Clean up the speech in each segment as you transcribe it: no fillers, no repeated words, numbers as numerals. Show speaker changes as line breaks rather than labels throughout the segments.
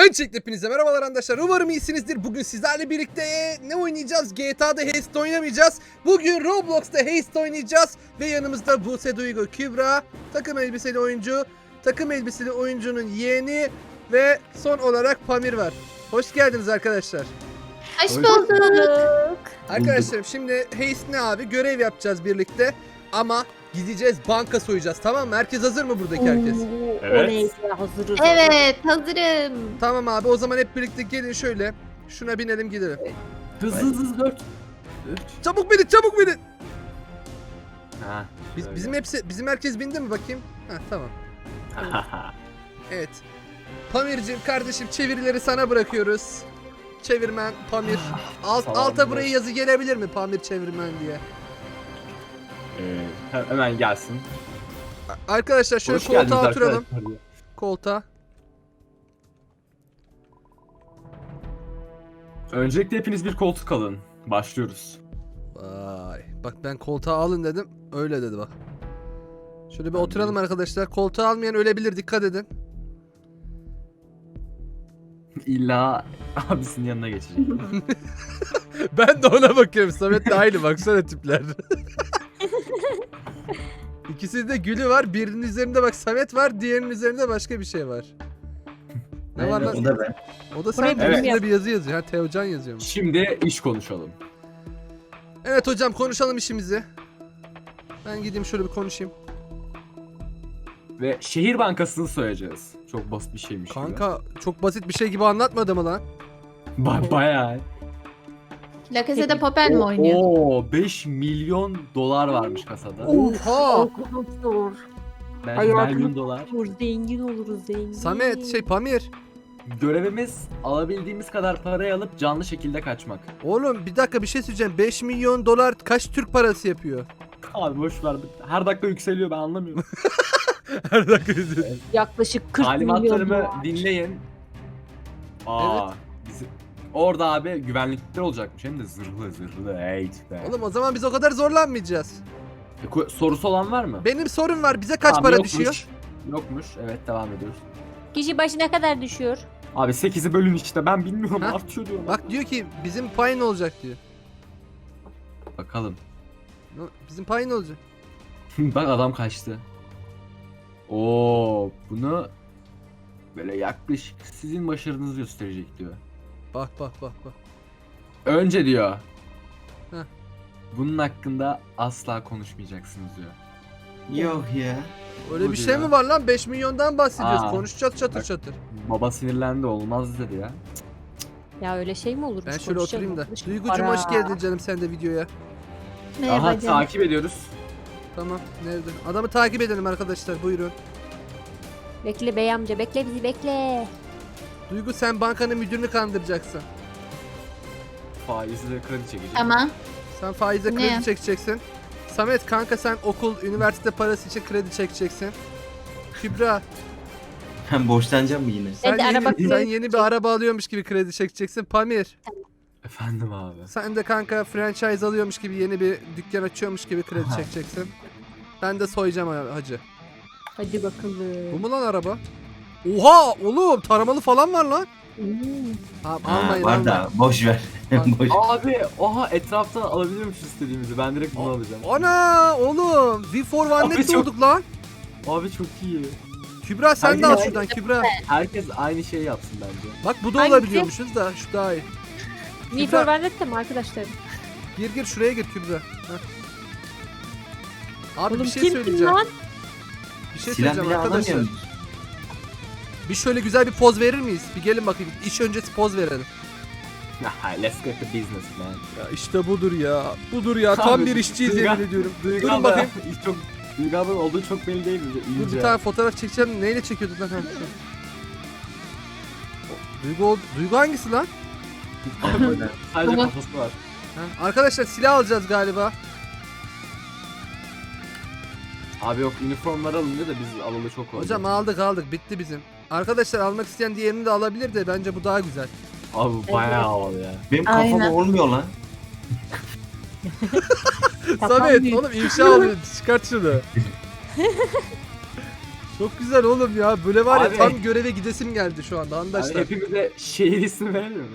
Öncelikle hepinize merhabalar arkadaşlar. Umarım iyisinizdir. Bugün sizlerle birlikte ne oynayacağız? GTA'da Heist oynamayacağız. Bugün Roblox'ta Heist oynayacağız. Ve yanımızda Buse Duygu, Kübra, takım elbiseli oyuncu, takım elbiseli oyuncunun yeğeni ve son olarak Pamir var. Hoş geldiniz arkadaşlar.
Hoş bulduk.
Arkadaşlarım şimdi Heist ne abi? Görev yapacağız birlikte. Ama gideceğiz, banka soyacağız, tamam mı? Herkes hazır mı, buradaki herkes?
Evet.
Hazırız.
Evet, hazırım.
Tamam abi, o zaman hep birlikte gelin şöyle. Şuna binelim gidelim.
Hızlı 4.
Çabuk binin, çabuk binin.
Ha.
Bizim herkes bindi mi bakayım? Ha, tamam. Evet. Pamir'cim kardeşim, çevirileri sana bırakıyoruz. Çevirmen Pamir. Alta buraya yazı gelebilir mi, Pamir çevirmen diye?
Hemen gelsin.
Arkadaşlar şöyle
Hoş geldiniz
koltuğa oturalım.
arkadaşlar.
Koltuğa.
Öncelikle hepiniz bir koltuk alın. Başlıyoruz.
Vay. Bak ben koltuğa alın dedim. Öyle dedi bak. Şöyle bir oturalım arkadaşlar. Koltuğa almayan ölebilir, dikkat edin.
İlla abisinin yanına geçecek.
Ben de ona bakıyorum. Samet de aynı, baksana tipler. İkisinin de gülü var. Birinin üzerinde bak Samet var. Diğerinin üzerinde başka bir şey var. Ne var lan?
O da ben.
O da sen,
Buraya
üstünde
evet.
bir yazı yazıyor. Ha, Teocan yazıyormuş.
Şimdi iş konuşalım.
Evet hocam, konuşalım işimizi. Ben gideyim şöyle bir konuşayım.
Ve şehir bankasını soyacağız. Çok basit bir şeymiş gibi.
Kanka çok basit bir şey gibi anlatmadı mı lan?
Bayağı.
La Casa de Papel mi oynuyor?
Oo 5 milyon dolar varmış kasada.
Oha!
Zor.
Bence milyon dolar.
Zengin oluruz zengin.
Samet, Pamir.
Görevimiz alabildiğimiz kadar parayı alıp canlı şekilde kaçmak.
Oğlum bir dakika, bir şey söyleyeceğim. 5 milyon dolar kaç Türk parası yapıyor?
Abi boş ver. Her dakika yükseliyor, ben anlamıyorum.
Her dakika
Yaklaşık 40 milyon
Talimatlarımı
dolar.
dinleyin. Aa, bizim orada abi güvenlikler olacakmış, hem de zırhlı. Hey be.
Oğlum o zaman biz o kadar zorlanmayacağız.
Sorusu olan var mı?
Benim sorum var. Bize kaç
Tamam,
para
yokmuş.
düşüyor?
Yokmuş. Evet, devam ediyoruz.
Kişi başı ne kadar düşüyor?
Abi 8'i bölün işte, ben bilmiyorum,
Ha?
artıyor diyorum.
Bak diyor ki bizim pay ne olacak diyor.
Bakalım.
Bizim pay ne olacak?
Bak adam kaçtı. Oo, bunu böyle yaklaşık sizin başarınızı gösterecek diyor.
Bak.
Önce diyor.
Heh.
Bunun hakkında asla konuşmayacaksınız diyor.
Yok ya.
Öyle
Bu
bir şey
diyor.
mi var lan? 5 milyondan bahsediyoruz.
Aa,
Konuşacağız çatır
bak.
çatır.
Baba sinirlendi, olmaz dedi ya.
Ya öyle şey mi olur?
Ben şöyle oturayım da. Duygucum
Para.
hoş geldin canım sen de videoya.
Merhaba
Aha,
canım.
takip ediyoruz.
Tamam, nerede? Adamı takip edelim arkadaşlar, buyurun.
Bekle bey amca, bekle bizi bekle.
Duygu, sen bankanın müdürünü kandıracaksın.
Faizle kredi çekecek.
Tamam.
Sen faize
Ne?
kredi çekeceksin. Samet kanka, sen okul, üniversite parası için kredi çekeceksin. Kübra,
Ben borçlanacağım mı yine?
sen
Hadi
yeni,
araba
sen
kredi
yeni bir araba alıyormuş gibi kredi çekeceksin. Pamir,
Efendim abi.
sen de kanka franchise alıyormuş gibi, yeni bir dükkan açıyormuş gibi kredi çekeceksin. Ben de soyacağım hacı.
Hadi bakalım.
Bu mu lan araba? Oha oğlum, taramalı falan var lan. Abi,
Ha,
almayın
var
almayın.
da boş ver. boş.
Abi oha, etraftan alabiliyormuş istediğimizi. Ben direkt bunu alacağım.
Ana oğlum, V for
Abi
One
çok-
olduk lan.
Abi çok iyi.
Kübra sen de al
Herkes-
şuradan Kübra.
Herkes aynı şeyi yapsın bence.
Bak bu da
Hangisi?
olabiliyormuşuz da, şu daha iyi.
Me for Vendetta mı arkadaşlar?
Gir şuraya gir Kübra. Heh. Abi
Oğlum
bir şey
kim
söyleyeceğim.
lan?
Bir şey
Silah
söyleyeceğim
bile
arkadaşlar.
alamıyorum.
Bir şöyle güzel bir poz verir miyiz? Bir gelin bakayım. İş öncesi poz verelim.
Let's get the business man.
Ya işte budur ya. Budur ya. Tam
Abi,
bir işçiyiz
Duygu-
yemin ediyorum.
Duygu
Durun
abla,
bakayım.
çok Duygu abla olduğu çok belli değil mi?
Dur
İyice.
bir tane fotoğraf çekeceğim. Neyle çekiyorduk lan? Ha, şu. Duygu hangisi lan?
Sadece
Tamam.
kafası var.
Ha, arkadaşlar silah alacağız galiba.
Abi yok, üniformları alınca da biz alalı çok oldu.
Hocam aldık bitti bizim. Arkadaşlar almak isteyen diğerini de alabilir de bence bu daha güzel.
Abi bu bayağı havalı ya.
Benim kafam
Aynen.
olmuyor lan.
Samet
büyük.
oğlum ifşa oluyor. Çıkart şunu. Çok güzel oğlum ya. Böyle var ya
Abi.
tam göreve gidesim geldi şu anda
Abi
arkadaşlar.
hepimize şehir ismi verelim mi?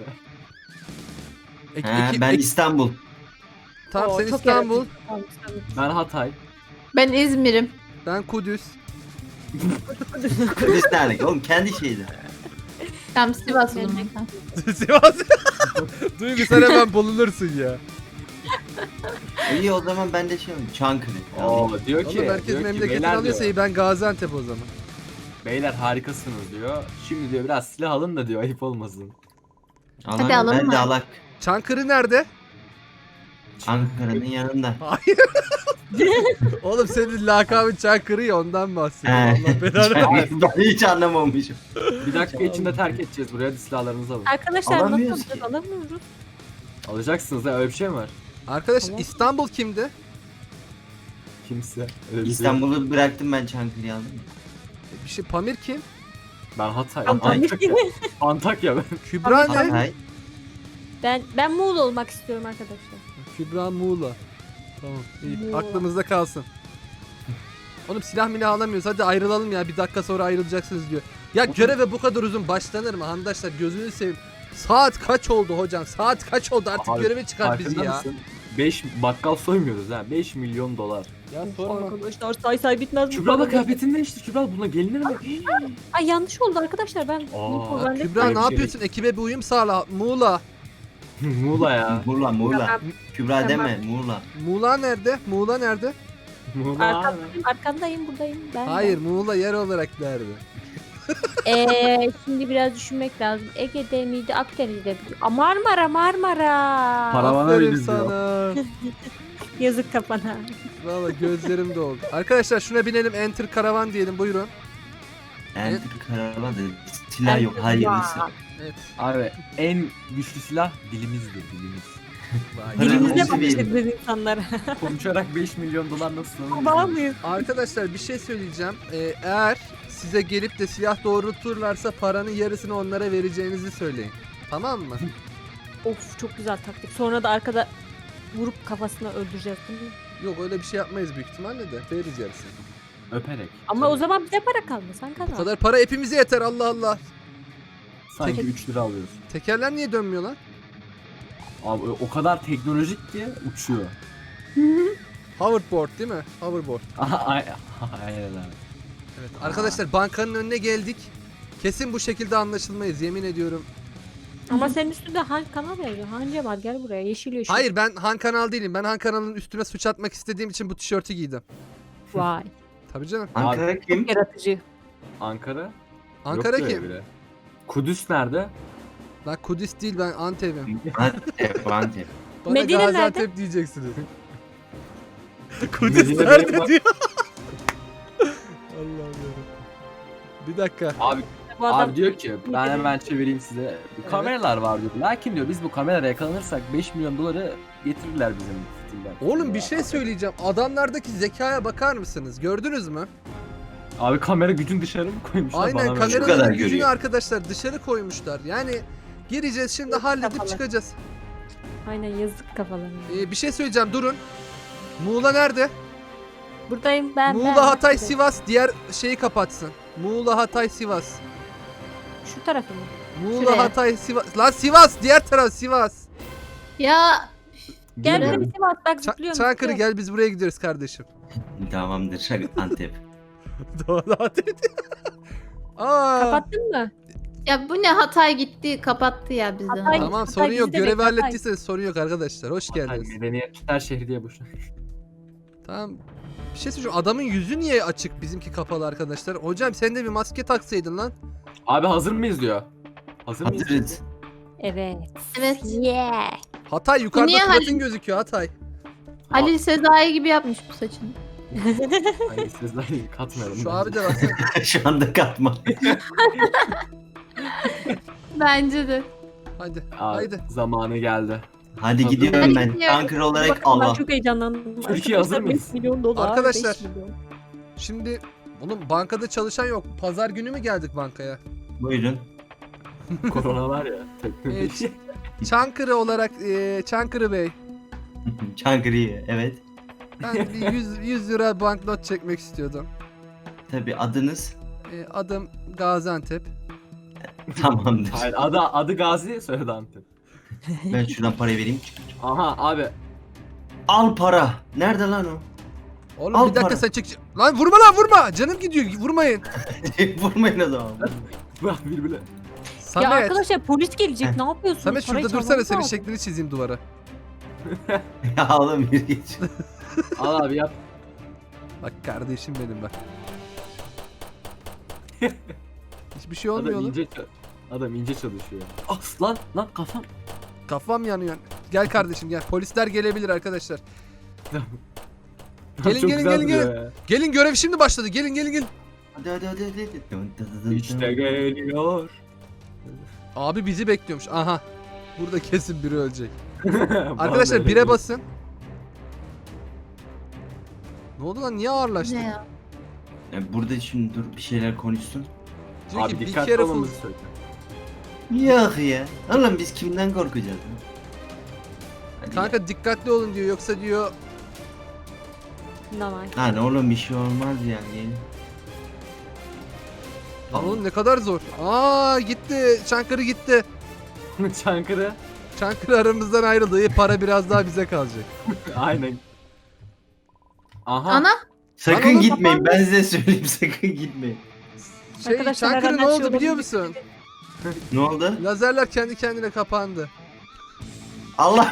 Ben İstanbul.
Tamam
Oo,
sen
çok
İstanbul.
yaratıcı. Tamam, İstanbul.
Ben Hatay.
Ben İzmir'im.
Ben Kudüs.
Kudüs nerede? Oğlum kendi şeydi.
Tam Sivas o zaman.
Sivas. Duygu sen hemen bulunursun ya.
İyi o zaman ben de şey olayım. Çankırı.
Oo diyor ki,
Oğlum herkes
diyor ki
memleketini
beyler
alıyorsa
diyor,
iyi ben Gaziantep o zaman.
beyler harikasınız diyor. Şimdi diyor biraz silah alın da diyor ayıp olmasın.
Hadi alalım
Ben de
mı?
alak.
Çankırı nerede?
Ankara'nın yanında.
Hayır. Oğlum senin lakabın Çankırı ya ondan bahsediyorum.
He.
Allah belanı.
Ben hiç anlamamışım.
Bir dakika içinde terk edeceğiz buraya, hadi silahlarınızı alın.
Arkadaşlar nasıl
Alamıyoruz
alacağız?
ki.
Alamıyoruz.
Alacaksınız ya, öyle bir şey mi var?
Arkadaş
Tamam.
İstanbul kimdi?
Kimse. Öyle bir şey yok.
İstanbul'u bıraktım ben Çankırı'yı aldım.
Bir şey Pamir kim?
Ben Hatay.
Hatay.
Antakya ben.
Kübra ne?
Hatay.
Ben Muğla olmak istiyorum arkadaşlar.
Kübra Muğla. Tamam iyi
Muğla.
aklımızda kalsın. Oğlum silah milah alamıyoruz hadi ayrılalım ya bir dakika sonra ayrılacaksınız diyor. Ya göreve bu kadar uzun başlanır mı arkadaşlar gözünü seveyim. Saat kaç oldu hocam saat kaç oldu artık
Abi,
göreve çıkar bizi
Farkında
ya.
mısın? 5 bakkal soymuyoruz ha. 5 milyon dolar.
Ya sorma.
Arkadaşlar say bitmez bu
Kübra da
kadar.
kıyafetini değişti. Kübra buna gelinir mi?
Ay yanlış oldu arkadaşlar ben.
Aa,
Ben de-
Kübra
Öyle
ne
bir şey
yapıyorsun ekibe bir uyum sağla Muğla.
Muğla ya.
Muğla Muğla.
Tamam.
Kübra
Tamam.
deme Muğla.
Muğla nerede? Muğla nerede?
Muğla abi.
Arkandayım buradayım. Ben
Hayır Muğla yer olarak nerede?
Şimdi biraz düşünmek lazım. Ege'de miydi Akdeniz'de miydi? Marmara.
Paravana
Aferin
biniriz diyor.
sana.
Yazık kafana.
Valla gözlerim doldu. Arkadaşlar şuna binelim enter karavan diyelim buyurun.
Enter karavan da silah yok hayırlısı.
Evet.
Abi en güçlü silah dilimizdir, dilimiz.
Vay.
Dilimizde
Nasıl bir-
bakışırız insanlara.
Konuşarak 5 milyon dolar nasıl
Kurbağa mıyız?
Arkadaşlar bir şey söyleyeceğim. Eğer size gelip de silah doğrulturlarsa paranın yarısını onlara vereceğinizi söyleyin. Tamam mı?
Of çok güzel taktik. Sonra da arkada vurup kafasına öldüreceğiz değil mi?
Yok öyle bir şey yapmayız büyük ihtimalle de. Veririz yarısını.
Öperek.
Ama o zaman bize para kalmaz. Sen
Bu
kazan.
kadar para hepimize yeter Allah Allah.
Sanki 3 lira alıyorsun.
Tekerler niye dönmüyor lan?
Abi o kadar teknolojik ki uçuyor.
Hoverboard değil mi? Hoverboard.
Aynen abi.
Evet. Arkadaşlar bankanın önüne geldik. Kesin bu şekilde anlaşılmayız yemin ediyorum.
Ama senin üstünde Han kanal yazıyor. Han Cemal gel buraya. Yeşil yeşil.
Hayır ben Han Kanal değilim. Ben Han Kanal'ın üstüne suç atmak istediğim için bu tişörtü giydim.
Vay.
Tabii canım.
Ankara kim?
Yaratıcı.
Ankara?
Ankara
Yok diyor
kim?
bile. Kudüs nerede?
Lan Kudüs değil ben Antep'im.
Antep, Antep.
Bana
Medine
Gaziantep
nerede?
diyeceksiniz. Kudüs
Medine
nerede
benim-
diyor. Allah'ım ya. Bir dakika.
Abi,
Bu adam
abi diyor ki ben hemen çevireyim size. Kameralar var diyor. Lakin diyor biz bu kameraya yakalanırsak 5 milyon doları getirirler bizim fitilden.
Oğlum bir şey söyleyeceğim. Adamlardaki zekaya bakar mısınız? Gördünüz mü?
Abi kamera gücün dışarı mı koymuşlar
Aynen
bana böyle?
Şu kadar
kameraların gücünü
görüyor.
arkadaşlar dışarı koymuşlar. Yani gireceğiz şimdi halledip
kafalar.
çıkacağız.
Aynen yazık kafalarına.
Bir şey söyleyeceğim durun. Muğla nerede?
Buradayım ben.
Muğla, Hatay, Sivas diğer şeyi kapatsın. Muğla, Hatay, Sivas.
Şu tarafı mı?
Muğla,
Şuraya.
Hatay, Sivas. Lan Sivas diğer taraf Sivas.
Ya
Gel
Bilmiyorum.
beni Sivas bak zıplıyorum.
Çankırı
zıplıyorum.
gel biz buraya gidiyoruz kardeşim.
Tamamdır Antep.
Doğru Hatay. Aa.
Kapattın mı?
ya bu ne Hatay gitti kapattı ya bizi.
Hatay-
Tamam
Hatay
sorun yok.
bizi de
Görevi
bekle, Hatay.
hallettiyseniz sorun yok arkadaşlar. Hoş
Hatay
geldiniz.
medeniyetler şehri diye boşuna.
Tamam. Bir şey söyleyeceğim. Adamın yüzü niye açık bizimki kapalı arkadaşlar? Hocam sen de bir maske taksaydın lan.
Abi hazır mıyız diyor. Hazır mıyız?
Hazırız.
Evet.
Evet.
Yeah.
Hatay yukarıda
niye
suratın gözüküyor Hatay.
Halil Sezai gibi yapmış bu saçını.
Hayır sizler katmayalım.
Şu
bence.
abi de baksana.
Şu anda katma.
Bence de.
Hadi.
Abi,
Haydi.
zamanı geldi.
Hadi gidiyorum ben.
gidiyorum.
Ankara olarak
Bakın ben
Allah.
çok heyecanlandım.
Türkiye hazır
Arkadaşlar,
mıyız?
5 milyon dolar.
Arkadaşlar.
5 milyon.
Şimdi oğlum bankada çalışan yok. Pazar günü mü geldik bankaya?
Buyurun.
Korona var ya. Teknoloji.
Çankırı olarak Çankırı Bey.
Çankırı'yı evet.
Ben bir 100 lira banknot çekmek istiyordum.
Tabii adınız.
Adım Gaziantep.
Tamamdır.
Hayır adı Gazi, soyadı Antep.
Ben şuradan parayı vereyim.
Aha abi.
Al para. Nerede lan o?
Oğlum
Al
bir dakika
para.
sen çek. Lan vurma lan vurma. Canım gidiyor. Vurmayın.
Vurmayın o zaman.
Bak birbirine.
Ya
Samet.
arkadaşlar polis gelecek ne yapıyorsunuz?
Samet
Parayı
şurada dursana
çalmamız
senin
lazım.
şeklini çizeyim duvara.
Ya oğlum bir geç.
Al abi yap.
Bak kardeşim benim bak. Hiçbir şey olmuyor
Adam
oğlum.
Adam ince çalışıyor. Ah lan kafam.
Kafam yanıyor. Gel kardeşim gel. Polisler gelebilir arkadaşlar. Gelin,
Çok
gelin,
güzel
gelin,
duruyor ya.
Gelin görev şimdi başladı. Gelin gelin gelin.
Hadi.
İşte geliyor.
Abi bizi bekliyormuş. Aha. Burada kesin biri ölecek.
Bana
Arkadaşlar
öyle
bire
geliyor.
basın. Ne oldu lan? Niye ağırlaştı?
Ne ya?
Burada şimdi dur bir şeyler konuşsun.
Diyor ki
Abi
be
dikkatli
careful.
olmamızı söyle.
Yok ya. Oğlum biz kimden korkacağız? Hadi
Kanka dikkatli olun diyor. Yoksa diyor
Normal.
ya. Lan oğlum bir şey olmaz yani.
lan oğlum ne kadar zor. Aa gitti. Çankırı gitti.
Çankırı.
Çankırı aramızdan ayrıldı. İyi, para biraz daha bize kalacak.
Aynen. Aha.
Ana?
Sakın
Lan oğlum,
gitmeyin. Ben size söyleyeyim sakın gitmeyin.
Arkadaşlar,
Çankırı
her
ne
an her
oldu
şey
biliyor
olabilir.
musun?
Ne oldu?
Lazerler kendi kendine kapandı.
Allah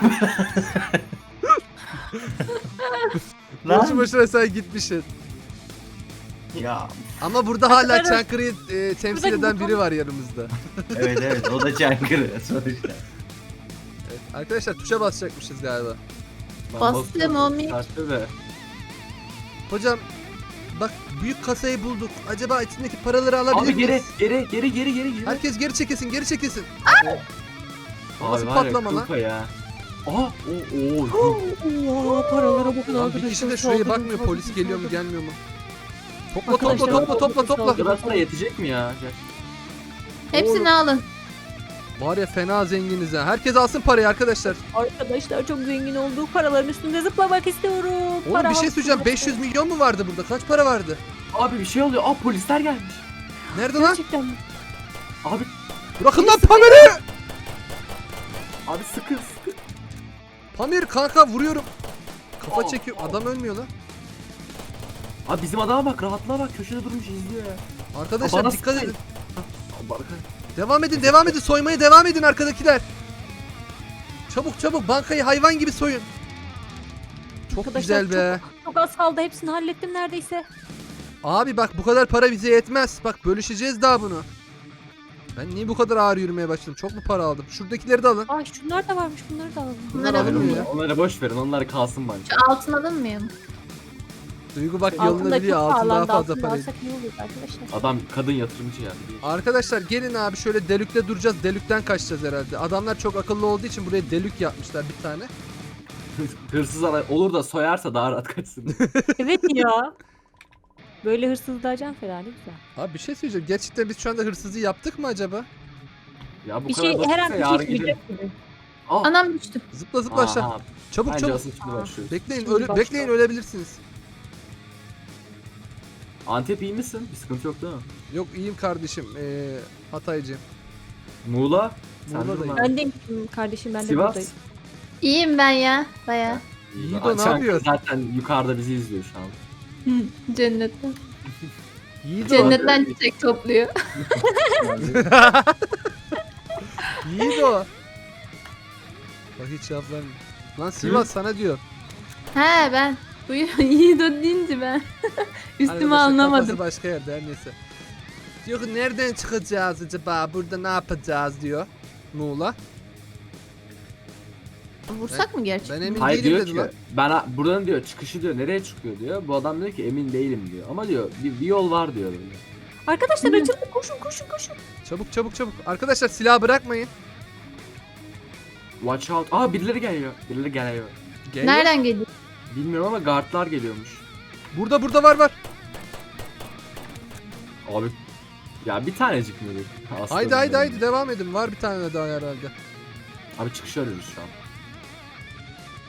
Boşu
Lan.
boşuna sen gitmişsin.
Ya
Ama burada hala
Arkadaşlar,
Çankırı'yı temsil
buradaki
eden
buton-
E,
biri var yanımızda.
evet o da Çankırı sonuçta.
Evet, arkadaşlar tuşa basacakmışız galiba.
Ben
Bastım,
basıyorum.
olmuyor.
Kaçtı be.
Hocam bak büyük kasayı bulduk. Acaba içindeki paraları alabilir
Abi
miyiz?
geri.
Herkes geri çekilsin, geri çekilsin. Nasıl
Abi var ya,
patlama lan?
kılpa ya. Aha.
Oo, paralara bakın
Lan bir kişi de şuraya bakmıyor. Polis geliyor mu, gelmiyor mu? Topla
Arkadaşlar,
topla.
Burası da yetecek mi ya?
Hepsini alın.
Var ya fena zenginiz ha. Herkes alsın parayı arkadaşlar.
Arkadaşlar çok zengin olduk. Paraların üstünde zıplamak istiyorum.
Oğlum
Para
bir şey
havasında
söyleyeceğim.
zıplamak.
500 milyon mu vardı burada? Kaç para vardı?
Abi bir şey oluyor. Aa polisler gelmiş.
Nerede lan?
Gerçekten mi?
Abi
Bırakın lan Pamir'i!
abi sıkı.
Pamir kanka vuruyorum. Kafa
Aa.
çekiyor. Adam ölmüyor lan.
Abi bizim adama bak, rahatlığa bak, köşede durmuş izliyor ya.
Arkadaşlar
Bana
dikkat
sıkmayın.
edin.
Abi arkadaş.
Devam edin. Soymaya devam edin arkadakiler. Çabuk bankayı hayvan gibi soyun. Çok
Arkadaşlar,
güzel be.
Çok az kaldı. Hepsini hallettim neredeyse.
Abi bak bu kadar para bize yetmez. Bak bölüşeceğiz daha bunu. Ben niye bu kadar ağır yürümeye başladım? Çok mu para aldım? Şuradakileri de alın.
Ay şunlar da varmış. Bunları da alalım.
Bunlar
Bunları
alınmıyor
alın.
ya.
Onları boş verin. Onlar kalsın bence.
Şu altın alınmıyor mu?
Duygu bak
Altın
yolunu
da
biliyor.
çok
Altın daha
pahalandı.
fazla
Altın
para.
alsak iyi olur arkadaşlar.
Adam kadın yatırımcı yani.
Arkadaşlar gelin abi şöyle delükte duracağız. Delükten kaçacağız herhalde. Adamlar çok akıllı olduğu için buraya delük yapmışlar bir tane.
Hırsız olur da soyarsa daha rahat kaçsın.
Evet ya. Böyle hırsızlığa can feda ne güzel.
Abi bir şey söyleyeceğim. Gerçekten biz şu anda hırsızlığı yaptık mı acaba?
Ya bu
Bir
kadar
şey her an
basitse
bir
yarın
şey
gidelim.
çıkacak gibi.
Aa.
Anam düştü.
Zıpla aşağı.
Aha,
Çabuk
Bence
çabuk.
asıl şimdi başlıyoruz.
Bekleyin
Şimdi başla.
bekleyin ölebilirsiniz.
Antep iyi misin? Bir sıkıntı yok değil mi?
Yok iyiyim kardeşim. Hataycı.
Muğla? Sen
Muğla'dayım.
durma.
Ben de kardeşim ben de
Sivas?
buradayım.
İyiyim ben ya. Baya.
Yiğido ne
Çankırı
yapıyor?
Zaten yukarıda bizi izliyor şu an.
Cennetten.
Yiğido.
Cennetten çiçek topluyor.
Yiğido. Bak hiç cevap vermiyor. Lan Sivas sana diyor.
He ben. Buyur. Yiğido deyince ben. Üstüme
Arkadaşlar,
anlamadım.
kafası başka yerde her neyse. Diyor ki nereden çıkacağız acaba? Burada ne yapacağız diyor. Muğla.
Vursak mı gerçekten?
Ben emin
Hayır
değilim
diyor
dedi
ki
lan.
ben buradan diyor çıkışı diyor nereye çıkıyor diyor. Bu adam diyor ki emin değilim diyor. Ama diyor bir yol var diyor böyle.
Arkadaşlar
Hı.
açıldı koşun.
Çabuk. Arkadaşlar silah bırakmayın.
Watch out. Aa birileri geliyor. Birileri geliyor.
Geliyor.
Nereden geliyor?
Bilmiyorum ama guardlar geliyormuş.
Burada var.
Abi ya bir tanecik mi diyor? Aslanım
Haydi
benim.
devam edin. Var bir tane daha herhalde.
Abi çıkışı arıyoruz şu an.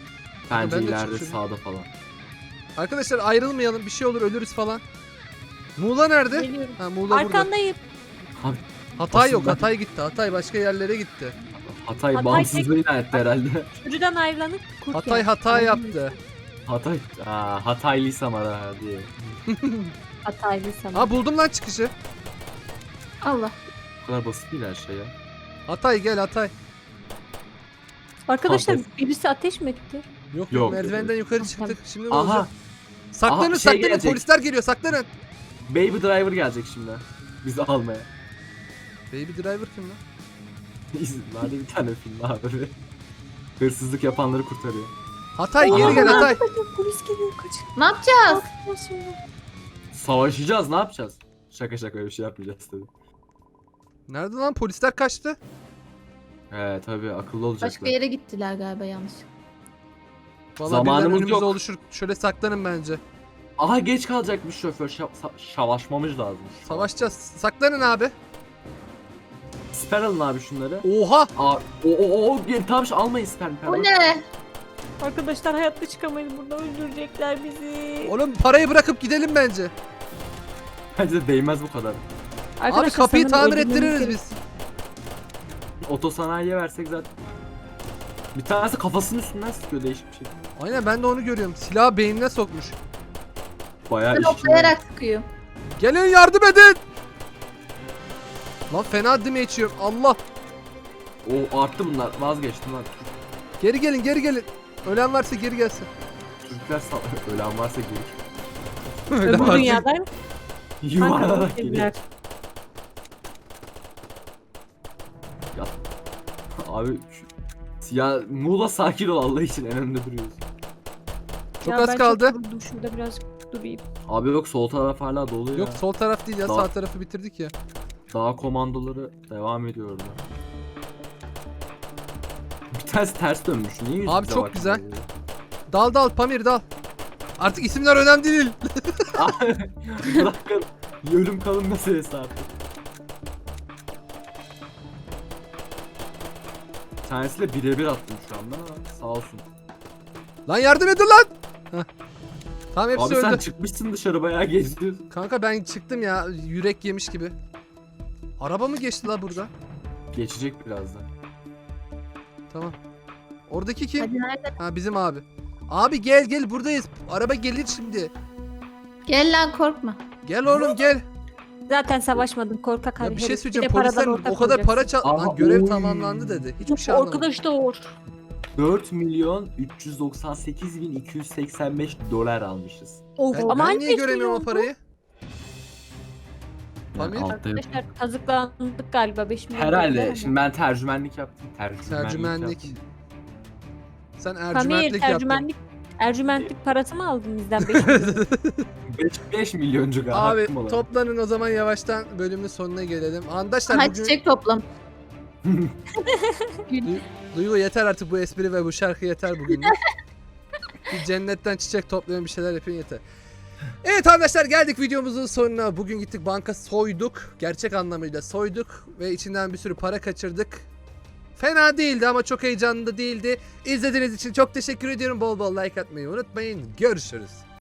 Ben
Bence
de
ileride
çıkışı-
sağda falan.
Arkadaşlar ayrılmayalım. Bir şey olur ölürüz falan. Muğla nerede?
Geliyorum.
Ha Muğla burada.
Arkandayım.
Hatay yok.
Aslında-
Hatay gitti. Hatay başka yerlere gitti.
Hatay
Hatay
bağımsızlığı ilan etti herhalde.
Sürüden ayrılanıp kurt
Hatay
yer.
hata yaptı.
Hataylıysam ara diye.
Hataylıysan.
Ha buldum lan çıkışı.
Allah.
Bu kadar basit değil her şey ya.
Hatay gel Hatay.
Arkadaşlar
Hatay.
birisi ateş mi etti?
Yok
Yok.
merdivenden yukarı çıktık. Şimdi ne
Aha.
olacak? Saklanın
Aha, şey
saklanın
gelecek.
polisler geliyor saklanın.
Baby Driver gelecek şimdi. Bizi almaya.
Baby Driver kim lan?
İzin vardı bir tane film abi. Hırsızlık yapanları kurtarıyor.
Hatay
Oha.
geri gel Hatay.
Arkadaşlar polis geliyor kaçın.
Ne yapacağız?
Savaşacağız ne yapacağız? Şaka şaka öyle bir şey yapmayacağız tabii.
Nerede lan polisler kaçtı?
Tabii akıllı olacaklar.
Başka yere gittiler galiba yanlış.
Vallahi
Zamanımız
birden önümüze
yok.
oluşur. Şöyle saklanın bence.
Aha geç kalacakmış şoför. Savaşmamız lazım.
Savaşacağız. Saklanın abi.
Siper alın abi şunları.
Oha.
Tamam almayın siper.
Bu ne?
Arkadaşlar hayatta çıkamayız buradan öldürecekler bizi.
Oğlum parayı bırakıp gidelim bence.
Bence de değmez bu kadar.
Abi
Arkadaşlar
kapıyı
sanırım
tamir
öldürmemiz
ettiririz
gerek-
biz. Otosanayiye versek zaten. Bir tanesi kafasının üstünden sıkıyor değişik bir şey.
Aynen ben de onu görüyorum. Silahı beynine sokmuş.
Bayağı
Ben
iş
hoplayarak sıkıyor.
Gelin yardım edin. Lan fena dime içiyorum. Allah.
O arttı bunlar. Vazgeçtim lan.
Geri gelin geri gelin. Ölen varsa geri gelsin.
Çocuklar ölen varsa gelir.
Ölen
Öbür
varsa-
dünyada
Yuvarlanarak geliyor.
geliyor.
Abi ya Muğla sakin ol Allah için en önde duruyoruz.
Çok az kaldı.
Çok şurada birazcık durayım.
Abi yok sol taraf hala dolu ya.
Yok sol taraf değil ya
Sağ.
sağ tarafı bitirdik ya.
Daha komandoları devam ediyor orada. Bir tanesi ters dönmüş. Niye yüzümüze
Abi çok
bakmıyor
güzel.
ya?
Dal dal Pamir dal. Artık isimler önemli değil.
Bırakın. Ölüm kalım meselesi artık. Bir tanesiyle birebir attım şu anda ama sağ olsun.
Lan yardım edin lan. Heh. Tamam hepsi
Abi
öldü.
sen çıkmışsın dışarı bayağı geziyorsun.
Kanka ben çıktım ya yürek yemiş gibi. Araba mı geçti la burada?
Geçecek birazdan.
Tamam. Oradaki kim?
Hadi nerede?
Ha bizim abi. Abi gel gel buradayız. Araba gelir şimdi.
Gel lan korkma.
Gel oğlum gel.
Zaten savaşmadın korkak
Ya
herif.
bir şey
Bir
söyleyeceğim.
de paradan
Polisler
ortak
o kadar para
olacaksın.
çal...
Aha,
Lan görev
oy.
tamamlandı dedi. Hiçbir şey anlamadım.
Arkadaş da or.
4.398.285 dolar almışız.
Of.
Ben,
Ama
ben
hani
niye
5
göremiyorum o
milyon bu?
parayı?
Yani
Pamir?
altta yok.
Arkadaşlar kazıklandık galiba 5 milyon.
Herhalde.
değil mi?
Şimdi ben tercümenlik yaptım.
Tercümenlik.
yaptım.
Sen
Pamir
ercümentlik yaptın.
Ercümentlik parası mı aldın bizden 5 milyon?
5 milyoncu galiba.
Abi
hakkım olan.
toplanın o zaman yavaştan bölümün sonuna gelelim. Arkadaşlar
Hadi
bugün
çiçek toplam.
Duygu yeter artık bu espri ve bu şarkı yeter bugünlük. Bir cennetten çiçek toplayın bir şeyler yapın yeter. Evet arkadaşlar geldik videomuzun sonuna. Bugün gittik banka soyduk. Gerçek anlamıyla soyduk. Ve içinden bir sürü para kaçırdık. Fena değildi ama çok heyecanlı da değildi. İzlediğiniz için çok teşekkür ediyorum. Bol bol like atmayı unutmayın. Görüşürüz.